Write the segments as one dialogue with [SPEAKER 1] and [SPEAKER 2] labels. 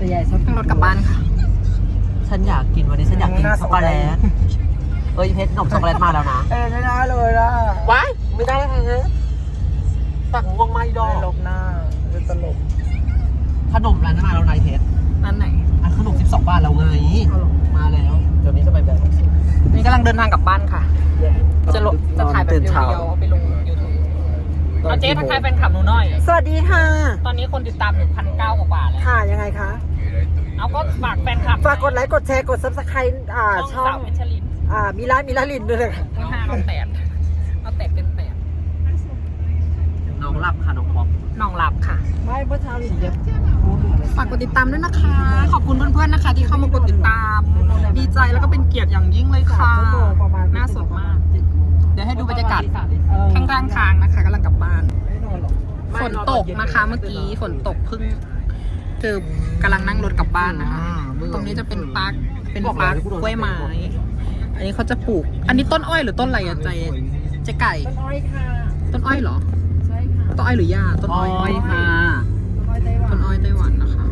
[SPEAKER 1] ใหญ่สัก
[SPEAKER 2] รถกลับบ้านค่ะ
[SPEAKER 3] ฉันอยากกินวันนี้ฉันอยากกินช็อกโกแลตเพชรขนมช็อกโกแลตมาแล้วนะ
[SPEAKER 1] ไม่ได้เลยล่ะ
[SPEAKER 3] ว้ายไม่ได้เลยฮะตักง่วงไม่ดอก
[SPEAKER 1] ลบหน้าจะตลก
[SPEAKER 3] ขนมร้านนั้นมาแล้วนายเพชร
[SPEAKER 2] นั่นไหน
[SPEAKER 3] อันขนม12 บาทแล้วไงมาแล้วเดี๋ยวนี้จะไปแบบ
[SPEAKER 2] นี่กำลังเดินทางกลับบ้านค่ะ จะถ่ายแบบเดียวๆเอาไปลง YouTube เอาเจ๊ทักทายแฟนคลับหนูหน่อย
[SPEAKER 1] สวัสดีค่ะ
[SPEAKER 2] ตอนนี้คนติดตามอยู่1,900 กว่าแล้ว
[SPEAKER 1] ค่ะยังไงคะ
[SPEAKER 2] เอาก็ฝากแฟนคลับ
[SPEAKER 1] ฝากกดไลค์กดแชร์กด Subscribe ช่อง
[SPEAKER 2] สาวเพชรลิน
[SPEAKER 1] มิลาลินด้วยเลยค่ะ
[SPEAKER 2] ทั้ง5เอา8เอา8เป็น8
[SPEAKER 3] น้องหลับค่ะน้องป๊อป
[SPEAKER 2] น้องหลับค่ะ
[SPEAKER 1] ไม่เมื่อเช้าลินเย็บ
[SPEAKER 2] ฝากกดติดตามด้วยนะคะ ขอบคุณเพื่อนๆนะคะ ที่เข้ามากดติดตาม ดีใจแล้วก็เป็นเกียรติอย่างยิ่งเลยค่ะ
[SPEAKER 1] ประมาณ
[SPEAKER 2] น่าสดมาก เดี๋ยวให้ดูบรรยากาศข้างๆทางนะคะกำลังกลับบ้าน
[SPEAKER 1] ไม่นอนหรอก
[SPEAKER 2] ฝนตกนะคะเมื่อกี้ฝนตกเพิ่งคือกำลังนั่งรถกลับบ้านนะคะ ตรงนี้จะเป็นปาร์คกล้วยไม้ อันนี้เขาจะปลูก อันนี้ต้นอ้อยหรือต้นอะไรอะเจ๊ไก่
[SPEAKER 1] ต้นอ้อยค่ะ
[SPEAKER 2] ต้นอ้อยเหรอ
[SPEAKER 1] ใช่ค่ะ
[SPEAKER 2] ต้นอ้อยหรือหญ้าต้นอ้อย
[SPEAKER 3] ค่ะ
[SPEAKER 1] ต้นอ้อยไต้หวัน
[SPEAKER 2] ต้นอ้อยไต้หวันนะคะ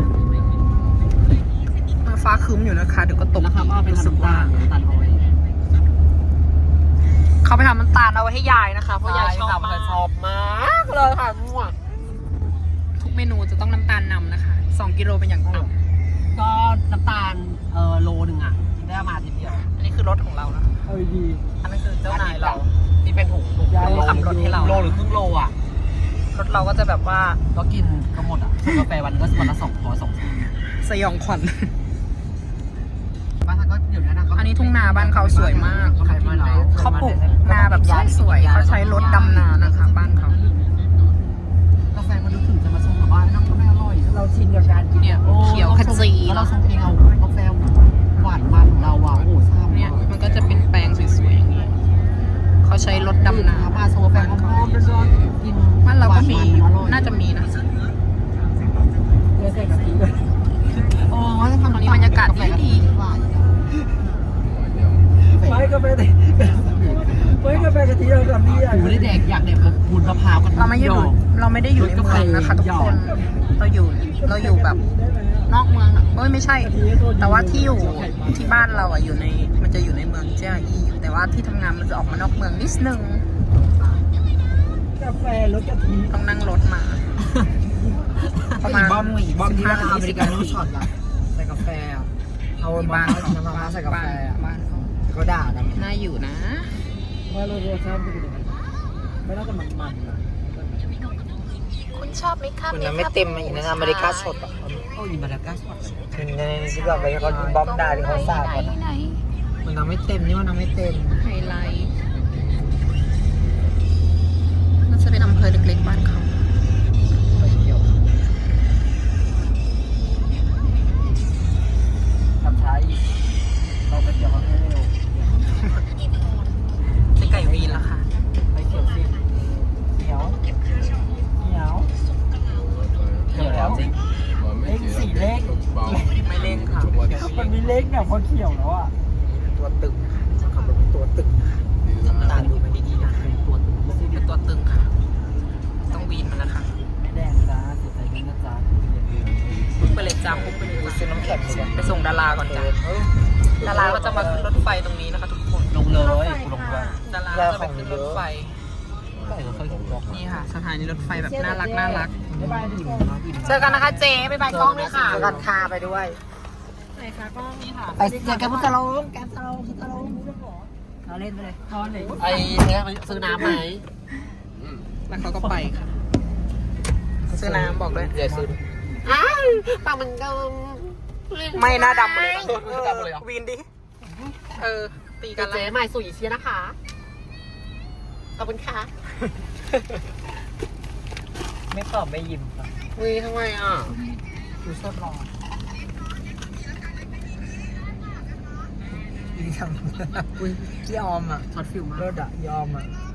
[SPEAKER 2] ฟ้าครึ้มอยู่นะคะเดี๋ยวก็ตก
[SPEAKER 3] แล้วครับเอาไป
[SPEAKER 2] รู้สึก
[SPEAKER 3] ทำ
[SPEAKER 2] ว่า
[SPEAKER 3] ตัดอ้อย
[SPEAKER 2] เขาไปทำน้ำตาลเอาไว้ให้ยายนะคะเพราะยายชอบมาก
[SPEAKER 3] ชอบมากเลยค่ะมั่ว
[SPEAKER 2] ทุกเมนูจะต้องน้ำตาลนำนะคะ2 กิโลเป็นอย่างต่ำ
[SPEAKER 3] ก็น้ำตาลโลนึงอ่ะกินได้ประมาณทีเดียว
[SPEAKER 2] อันนี้คือรถของเรานะ
[SPEAKER 1] ดี
[SPEAKER 2] อันนั้นคือเจ้านายเรา
[SPEAKER 3] ที่เป็นถุง
[SPEAKER 2] ขับรถให้เรา
[SPEAKER 3] โลหรือครึ่งโลอ่ะ
[SPEAKER 2] รถเราก็จะแบบว่า
[SPEAKER 3] ก็กินก็หมดอ่ะกาแฟวันก็วันละ200
[SPEAKER 2] สยองขวัญ
[SPEAKER 3] บ้านก็เดี๋ยวนี้นะ
[SPEAKER 2] อันนี้ทุ่งนาบ้านเขาสวยมาก
[SPEAKER 3] ขายมาแล้ว
[SPEAKER 2] เขาปลูกนาแบบสวยๆเขาใช้รถดำนานะคะ บ้านเขา
[SPEAKER 3] กาแฟมันดูถึงจะมาชงกับบ้านน้ำก็ไม่อร่อย
[SPEAKER 1] เราชินกับการกิน
[SPEAKER 2] เนี่ยเขียวขจี
[SPEAKER 3] แล้วเราชงเองเอากาแฟหวานมันของเราอ่ะโอ้โหชอบ
[SPEAKER 2] เนี่ยมันก็จะเป็นแปลงสวยๆอย่างนี้เขาใช้รถดำนา
[SPEAKER 3] มาชงกาแฟหอมๆร้อนๆกิน
[SPEAKER 2] บ้านเราก็มีน่าจะมีนะ
[SPEAKER 1] เนื้อใส่กะทิเลย
[SPEAKER 3] โอ้ยทำ
[SPEAKER 2] ตอนนี้บรรยากาศดี
[SPEAKER 1] ไม่กาแฟกะทิไม่กาแฟกะทิเราทำนี่อ่ะ
[SPEAKER 3] หูได้แดกอยากแดกแบบบุญมะพร้าวกัน
[SPEAKER 2] เราไม่ได้อยู่ในเมืองนะคะทุกคนเราอยู่แบบนอกเมืองอะไม่ใช่ แต่ว่าที่อยู่ที่บ้านเราอ่ะมันจะอยู่ในเมืองเจียอีแต่ว่าที่ทำงานมันจะออกมานอกเมืองนิดนึง
[SPEAKER 1] กาแฟรสกะทิ
[SPEAKER 2] ต้องนั่งรถมา ประมาณ
[SPEAKER 3] บ้อมที่ร้านอเมริกาโน่
[SPEAKER 2] 15-20
[SPEAKER 3] ช็อตอะใส่กาแฟอะเอา
[SPEAKER 2] บ้า
[SPEAKER 3] บ้าน นน้ำมะพร้าวใส่กาแฟอะ
[SPEAKER 2] บ้านเขา
[SPEAKER 3] ก็ด่านะ
[SPEAKER 2] น่าอยู่นะ
[SPEAKER 1] ว่ารสชาติเป็นยังไงไม่น่าจะมันๆนะ
[SPEAKER 2] คุณชอบไหมคะ
[SPEAKER 1] มันไม่เต็มมาอยู่ในอเมริกาสดอ่ะ
[SPEAKER 3] โอ้ยมาแล้วก้าช็อต
[SPEAKER 1] ในที่เราไปเขาบอมดาที่เขาสาดก่อนนะมันน้ำไม่เต็มนี่มันน้ำไม่เต็ม
[SPEAKER 2] ไฮไลท์น่าจะเป็นอำเภอเล็กๆบ้านเขา
[SPEAKER 3] ไปเที่ยวทำช้าอีกเราไปเที่ยวเขาให้เร็ว
[SPEAKER 2] เจ๊ไก่วีนละค่ะ
[SPEAKER 3] ไปเที่ยวสิเหนียวเหนียวเดี๋ยวแล้วจริง
[SPEAKER 1] เลขสี่เลข
[SPEAKER 2] ไม่เล่นค่ะ
[SPEAKER 1] มันมีเลขเนี่ยพอเขียวแล้วอ่ะตัวตึงขับรถเป็นตัวตึงตาดูมันดีๆนะ
[SPEAKER 3] เป็นตัวตึง
[SPEAKER 2] เป็นตัวตึงค่ะ ต้องวีนมันนะคะ
[SPEAKER 1] ไม่แดงจ้าเสียใจกันนะจ้า
[SPEAKER 2] พุ่งไปเลยจ้าพุ่งไปเลย
[SPEAKER 1] ซื้อน้ำแข็งเลย
[SPEAKER 2] ไปส่งดาราก่อนจ้าดาราก็จะมาขึ้นรถไฟตรงนี้นะคะ ทุกคน
[SPEAKER 3] ลงเลยกูลงเลย
[SPEAKER 2] ดาราก็จะไปขึ้นรถไฟ
[SPEAKER 3] ไม่เคยเห็นหรอก
[SPEAKER 2] นี่ค่ะสถานีรถไฟแบบน่ารัก
[SPEAKER 1] บ๊ายบายทุกคน
[SPEAKER 2] เจอกันนะคะเจ๊บ๊ายบายกล้องด้วยค่ะ
[SPEAKER 1] เจอกันคาไปด้วย
[SPEAKER 2] ไหนคะกล้องนี่ค่ะ
[SPEAKER 1] ไปเจอกันพุทธโลงแกมสโลงพุทธโลงเราเล่นไปเลยนอนเลย
[SPEAKER 3] ไอ้เนี่ยซื้อน้ำไหม
[SPEAKER 2] แล้วเขาก็ไปค่ะซื้อน้ำบอกด้วย
[SPEAKER 3] เดี๋ยวซื้อปากมันดำ
[SPEAKER 2] ไม่หน้าดำเลย
[SPEAKER 3] ดำเลยเหรอ
[SPEAKER 2] วีนดิ ตีกั
[SPEAKER 3] กัน น
[SPEAKER 2] แล้ว
[SPEAKER 3] เจ๊ใหม่สู่อีเชียนะคะขอบคุณค่ะ
[SPEAKER 1] ไม่ตอบไม่ยิ้ม
[SPEAKER 3] วีทำไมอ่ะ
[SPEAKER 1] ดูชอบรอดีทำยอมอ่ะ
[SPEAKER 3] ช็อตฟิลมาก
[SPEAKER 1] รถอ่ะยอมอ่ะ